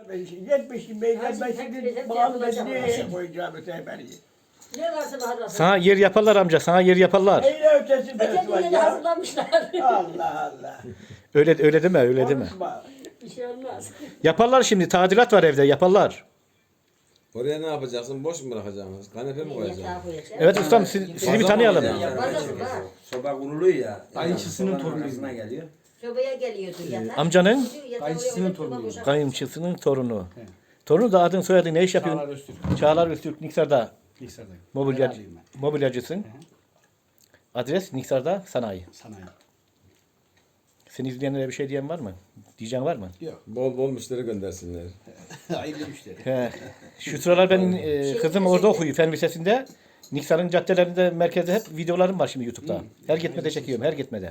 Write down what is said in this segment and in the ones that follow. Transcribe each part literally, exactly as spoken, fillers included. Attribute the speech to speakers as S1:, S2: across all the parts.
S1: yetmişim beyler ben şimdi bağlı ben nereye koyacağım öteberi.
S2: Ne varsa bahar
S3: Sana yer yaparlar amca, sana yer yaparlar.
S1: Neyle ötesi ben
S2: Kendine de
S1: ya.
S2: hazırlamışlar.
S1: Allah Allah.
S3: Öyle öyle deme, öyle deme.
S1: Konuşma.
S2: Bir şey olmaz.
S3: Yaparlar şimdi, tadilat var evde, yaparlar.
S4: Oraya ne yapacaksın? Boş mu bırakacaksın? Kanepe mi koyacaksın?
S2: Yatağa koyacağım.
S3: Evet ustam, siz, sizi bir tanıyalım.
S2: Bazası var.
S5: Soba kuruluyor ya.
S6: Kayınçısının torunu.
S5: torununa geliyor.
S2: Sobaya geliyordu yatak.
S3: Amcanın
S2: Yatağı
S6: Kayınçısının
S2: oraya
S6: torunu.
S2: koyup soba
S3: kayınçısının torunu. Torunu da adın soyadı ne iş yapıyor?
S6: Çağlar Öztürk.
S3: Çağlar Öztürk, Niksar'da
S6: Niksar'da.
S3: mobilyacı,
S6: Beraberiyim ben.
S3: mobilyacısın. Adres Niksar'da sanayi.
S6: Sanayi.
S3: Seni izleyenlere bir şey diyen var mı? Diyeceğin var mı?
S6: Yok.
S4: Bol bol müşteri göndersinler.
S6: Hayırlı müşteri.
S3: He. Şu sıralar benim e, kızım orada okuyor Fen Lisesi'nde. Niksar'ın caddelerinde, merkezde hep videolarım var şimdi YouTube'da. Her gitmede çekiyorum, her gitmede.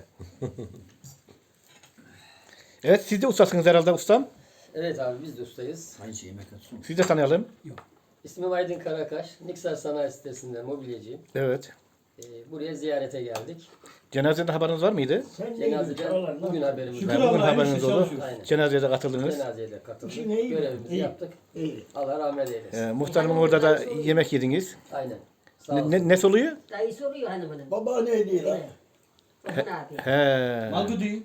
S3: Evet, siz de ustasınız herhalde ustam.
S7: Evet abi biz de ustayız.
S6: Aynı şey yemek atsun.
S3: Siz de tanıyalım.
S7: İsmim Aydın Karakaş. Niksar Sanayi Sitesi'nde mobilyacıyım.
S3: Evet.
S7: Ee, buraya ziyarete geldik.
S3: Cenazede haberiniz var mıydı?
S7: Cenazede bugün haberimiz
S3: Ben
S7: var.
S3: bugün
S1: Allah'a
S3: haberiniz
S1: işte
S3: oldu.
S1: çalışıyoruz.
S7: Aynen.
S3: Cenazeye de katıldınız.
S7: Cenazeye de katıldık.
S1: İşin iyi mi?
S7: Görevimizi
S1: İyi.
S7: yaptık.
S1: İyi.
S7: Allah rahmet eylesin.
S3: Ee, muhtarımın orada da yemek yediniz.
S7: Aynen. Sağ
S3: Ne,
S7: olsun.
S3: ne, ne soluyor?
S2: Dayı soruyor hanımının.
S1: Baba ne diyor lan?
S2: Bakın abi.
S3: He.
S6: Malgı değil.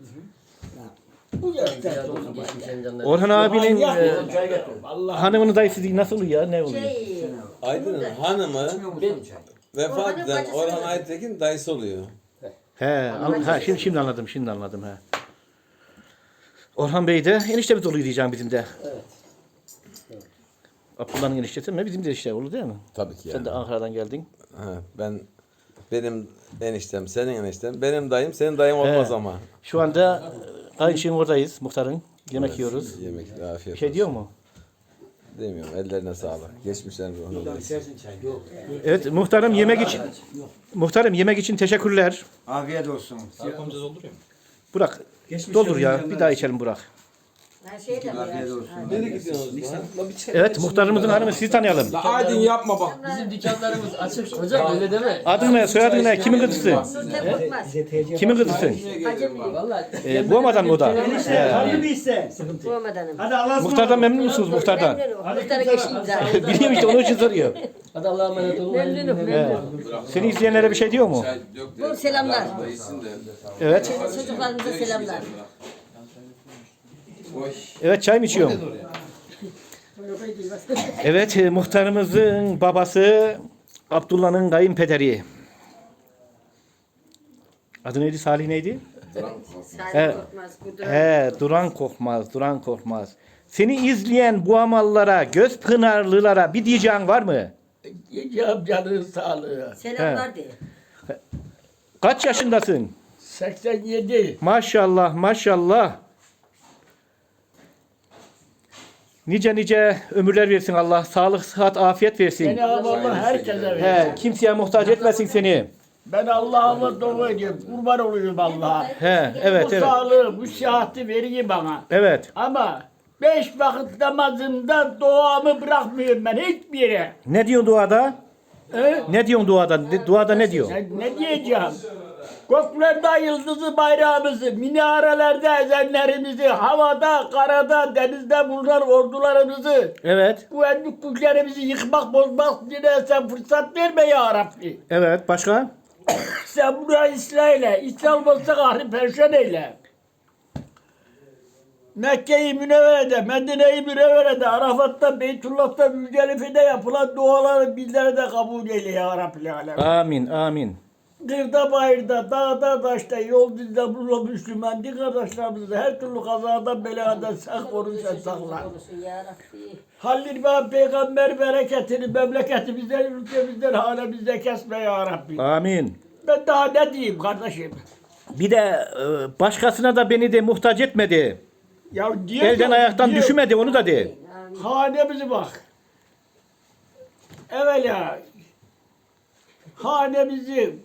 S1: Bu yaşta.
S7: Ziyade olsun geçmişlerin canları.
S3: Orhan abinin e,
S1: Allah.
S3: hanımının dayısı değil, nasıl oluyor ya? Ne oluyor?
S2: Şey,
S4: Aydın'ın hanımı vefat
S2: Orhan'ın
S4: eden
S2: bacısı
S4: Orhan
S2: mı?
S4: Aytekin dayısı oluyor.
S3: He, an- ha, şimdi şimdi anladım, şimdi anladım he. Orhan Bey de eniştemiz oluyor diyeceğim bizim de.
S7: Evet.
S3: Abdullah'ın eniştesi mi? Bizim de işte olur değil mi?
S4: Tabii ki
S3: Sen de Ankara'dan geldin.
S4: Ha, ben benim eniştem, senin eniştem, benim dayım, senin dayın olmaz
S3: He.
S4: ama.
S3: Şu anda Kayınçı'nın oradayız, muhtarın. Yemek
S4: Evet,
S3: yiyoruz.
S4: Yemek, afiyet
S3: Bir şey diyor mu?
S4: Demiyorum, ellerine sağlık. Geçmişlerin ruhuna da.
S3: Evet, muhtarım yemek için muhtarım yemek için teşekkürler.
S5: Afiyet olsun.
S6: Arkamıza dolduruyor mu?
S3: Burak, doldur ya. Bir daha içelim Burak.
S2: her şey de
S5: Afiyet
S2: var.
S5: olsun.
S4: Nereye gidiyorsunuz lan?
S3: Evet, muhtarımızın hanımı, sizi tanıyalım.
S4: Aydın yapma bak.
S7: Bizim dükkanlarımız açık. Hocam öyle deme.
S3: Adın ne, soyadın ne, kimin kızısın?
S2: Sözden korkmaz.
S3: Kimin kızısın?
S2: Hacım büyük.
S7: Vallahi
S3: Ee, bu amadan mı o da? He.
S1: Hadi bir iste.
S2: Kovmadanım.
S1: Hadi Allah'a
S3: Muhtardan memnun musunuz muhtardan?
S2: Memnunum. Muhtara geçeyim zaten.
S3: Biliyorum işte onun için soruyor.
S7: hadi Allah'a emanet olun.
S2: Memnunum,
S3: He.
S2: memnunum.
S3: Seni izleyenlere bir şey diyor mu?
S2: Bol selamlar.
S3: Evet.
S2: Çocuklarımıza selamlar.
S3: Evet, çay mı içiyorum? Evet, e, muhtarımızın babası Abdullah'ın kayınpederi. Adı neydi? Salih neydi?
S2: Salih
S3: Evet.
S2: korkmaz. Kudret.
S3: He, Duran Korkmaz, Duran Korkmaz. Seni izleyen bu amallara, göz pınarlılara bir diyeceğin var mı?
S1: Yiyeceğim canın sağlığı.
S2: Selamlar de.
S3: Kaç yaşındasın?
S1: seksen yedi.
S3: Maşallah, maşallah. Nice nice ömürler versin Allah. Sağlık, sıhhat, afiyet versin.
S1: Cenab-ı Allah herkese verir.
S3: He, kimseye muhtaç etmesin seni.
S1: Ben Allah'ıma dua ediyorum. Kurban oluyorum Allah'a.
S3: He, evet,
S1: Bu
S3: evet.
S1: sağlığı, bu sıhhati veriyor bana.
S3: Evet.
S1: Ama beş vakit namazında duamı bırakmıyorum ben hiçbir yere.
S3: Ne diyorsun duada?
S1: He?
S3: Ne diyorsun duada? Ne- Duada ne diyor?
S1: Ne, ne diyeceğim? Göklerde yıldızı bayrağımızı, minarelerde ezenlerimizi, havada, karada, denizde bulunan ordularımızı,
S3: Evet.
S1: bu endük güçlerimizi yıkmak, bozmak diye sen fırsat verme ya Rabbi.
S3: Evet. Başka?
S1: Sen bunu ıslah eyle. İslam olsa kahri perşan eyle. Mekke-i Münevvere'de, Medine-i Münevvere'de, Arafat'ta, Beytullah'ta, Müzdelife'de yapılan duaları bizlere de kabul eyle ya Rabbi alem.
S3: Amin. Amin.
S1: Kırda bayırda, dağda taşta, yol dizde bulun Müslüman din kardeşlerimizi her türlü kazadan beladan sen koru sen sakla.
S2: Korusun ya Rabbi.
S1: Halil ve peygamber bereketini memleketimizden, ülkemizden, halemizde kesme ya Rabbi.
S3: Amin.
S1: Ben daha ne diyeyim kardeşim?
S3: Bir de e, başkasına da beni de muhtaç etmedi.
S1: Ya diyor
S3: Elden
S1: ki-
S3: ayaktan
S1: diyor,
S3: düşmedi, onu da de.
S1: Hanemize bak. Evvela hanemizi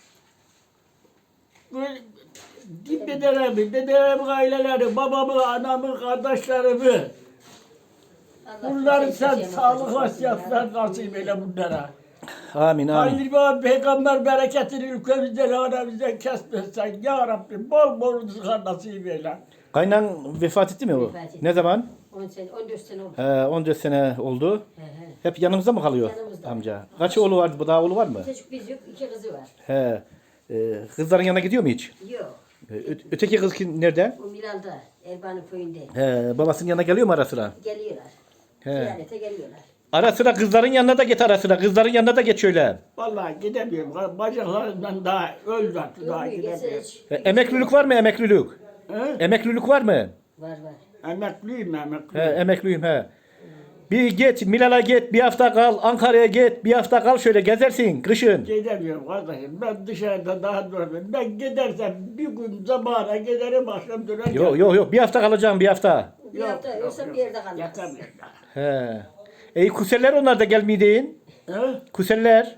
S1: böyle dedelerimi, dedelerimin aileleri, babamı, anamı, kardeşlerimi bunları sen sağlık vasiyetler nasip eyle bunlara.
S3: Amin. Amin.
S1: Halil ve peygamber bereketini ülkemizden, hanemizden kesmezsen ya Rabbi bol bol rızıklar nasip eyle.
S3: Kaynan vefat etti mi o?
S2: Vefat etti.
S3: Ne zaman?
S2: on sene, on dört sene oldu.
S3: He, on dört sene oldu.
S2: He he.
S3: Hep yanımızda mı kalıyor
S2: Yanımızda.
S3: amca? Kaç oğlu vardı? Bu daha oğlu var mı?
S2: Çocuk biz yok, iki kızı var.
S3: He. Ee, kızların yanına gidiyor mu hiç?
S2: Yok.
S3: Ee, ö- öteki kız kim, nerede?
S2: O Milan'da, Erban'ın köyünde.
S3: He, babasının yanına geliyor mu ara sıra?
S2: Geliyorlar.
S3: He.
S2: Ziyarete geliyorlar.
S3: Ara sıra kızların yanına da git ara sıra. Kızların yanına da geç şöyle.
S1: Vallahi gidemiyorum. Bacaklarımdan daha öldü artık daha
S2: Yok, geçse
S1: gidemiyorum.
S2: hiç-
S3: E, emeklilik var mı emeklilik?
S1: He?
S3: Emeklilik var mı?
S2: Var var.
S1: Emekliyim
S3: He,
S1: emekliyim.
S3: emekliyim he. Bir git Milal'a git bir hafta kal. Ankara'ya git bir hafta kal şöyle gezersin kışın.
S1: Gidemiyorum kardeşim. Ben dışarıda daha duramıyorum. Ben gidersem bir gün zamana giderim akşam dönerim.
S3: Yok yok yok bir hafta kalacağım bir hafta.
S2: Bir hafta yoksa bir yerde kalmaz.
S1: Yatamıyorum daha.
S3: He. Ey kuseller onlar da gelmeydin.
S1: He?
S3: Kuseller.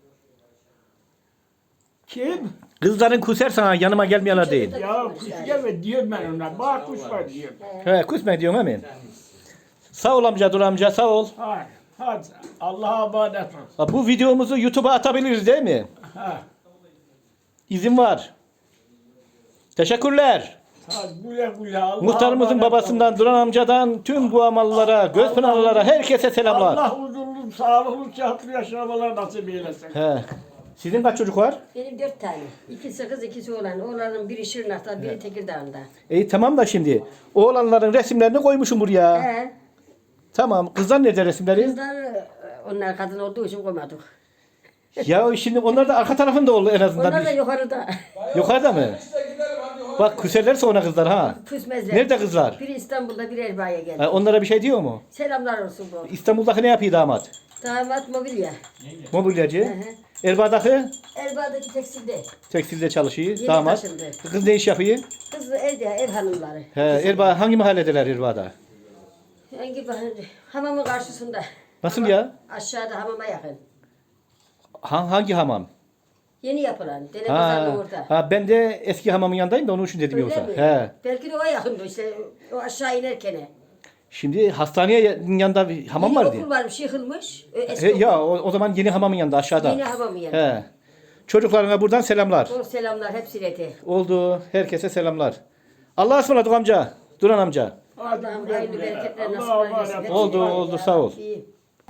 S1: Kim?
S3: Kızların kuser sana yanıma gelmeyenler değil.
S1: Ya kuş gelme diyorum ben ona. Bak kuş var diyorum.
S3: He kusme diyorsun hemen. Sağ ol amca dur amca sağ ol.
S1: Hadi. Hadi. Allah'a emanet ol.
S3: Ha, bu videomuzu YouTube'a atabiliriz değil mi?
S1: Ha.
S3: İzin var. Teşekkürler.
S1: Hadi güle güle. Allah'a
S3: Muhtarımızın
S1: emanet ol.
S3: babasından, Duran amcadan, tüm bu amallara, Gözpınarlılara, herkese selamlar.
S1: Allah huzurlu, sağlıklı, sıhhatli yaşamalar nasip eylesin.
S3: He. Sizin kaç çocuk var?
S2: Benim dört tane. İkisi kız, ikisi oğlan. Oğlanın biri Şırnak'ta, biri Tekirdağ'ında.
S3: İyi tamam da şimdi oğlanların resimlerini koymuşum buraya.
S2: He.
S3: Tamam. Kızlar nerede resimleri?
S2: Kızlar, e, onlar kadın olduğu için koymadık.
S3: Ya şimdi onlar da arka tarafında oldu en azından.
S2: Onlar da
S3: Bir-
S2: yukarıda.
S3: Yukarıda mı? Bak küserler sonra kızlar ha.
S2: Küsmezler.
S3: Nerede kızlar?
S2: Biri İstanbul'da, biri Erbaa'ya geldi.
S3: Ha, onlara bir şey diyor mu?
S2: Selamlar olsun bu.
S3: İstanbul'daki ne yapıyor damat?
S2: Damat mobilya.
S3: Mobilyacı.
S2: Hı hı.
S3: Erbaa'daki
S2: Erbaa'daki tekstilde.
S3: tekstilde çalışıyor.
S2: Yeni
S3: damat.
S2: taşındı.
S3: Kız ne iş yapıyor?
S2: Kız evde, ev hanımları.
S3: He, Erbaa hangi mahalledeler Erbaa'da?
S2: Hangi bahane? Hamamın karşısında.
S3: Nasıl ya?
S2: Aşağıda hamama yakın.
S3: Ha, hangi hamam?
S2: Yeni yapılan. Dene
S3: Ha,
S2: pazarlığı orada.
S3: ha ben de eski hamamın yanındayım da onun için dedim
S2: Öyle
S3: yoksa.
S2: mi?
S3: He.
S2: Belki de o yakındı işte. O aşağı inerken.
S3: Şimdi hastaneye yanında bir hamam
S2: Yeni
S3: vardı.
S2: okul varmış, yıkılmış. Ö, Eski
S3: He,
S2: okul.
S3: ya o, o zaman yeni hamamın yanında aşağıda.
S2: Yeni hamamın yanında.
S3: He. Çocuklarına buradan selamlar.
S2: Doğru selamlar hepsine de.
S3: Oldu. Herkese selamlar. Allah'a ısmarladık amca. Duran amca.
S1: Hadi
S2: Allah'ım
S1: güle
S2: hayırlı
S1: güle.
S2: bereketler nasip
S1: Allah'a
S2: eylesin.
S1: emanet
S2: Hepsine
S1: ol.
S3: Oldu,
S2: de.
S3: oldu, sağ ol.
S2: İyi.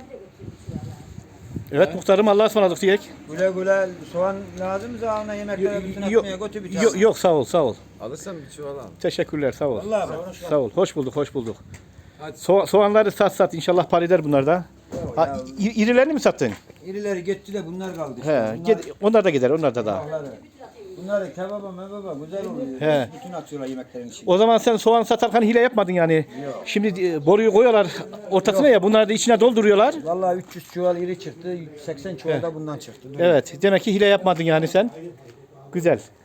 S3: Evet muhtarım Allah'a ısmarladık diyek.
S5: Güle güle soğan lazımsa ona yemeklere bütün
S3: Yok,
S5: atmaya götür bir
S3: yok, yok sağ ol sağ ol.
S4: Alırsan bir çuval al.
S3: Teşekkürler sağ ol.
S5: Allah Allah.
S3: Sağ ol. Hoş bulduk, hoş bulduk. So- soğanları sat sat inşallah par eder bunlar da. Ha, i- irilerini mi sattın?
S5: İrileri gitti de bunlar kaldı işte.
S3: He,
S5: Bunlar,
S3: gid- onlar da gider, onlar da daha.
S5: bunları, bunları kebaba mebaba güzel oluyor.
S3: He.
S5: Bütün atıyorlar yemeklerin içine.
S3: O zaman sen soğan satarken hile yapmadın yani. Şimdi e, boruyu koyuyorlar ortasına ya bunları da içine dolduruyorlar.
S5: Vallahi üç yüz çuval iri çıktı, seksen çuval da bundan çıktı.
S3: Evet, demek ki hile yapmadın yani sen. Güzel.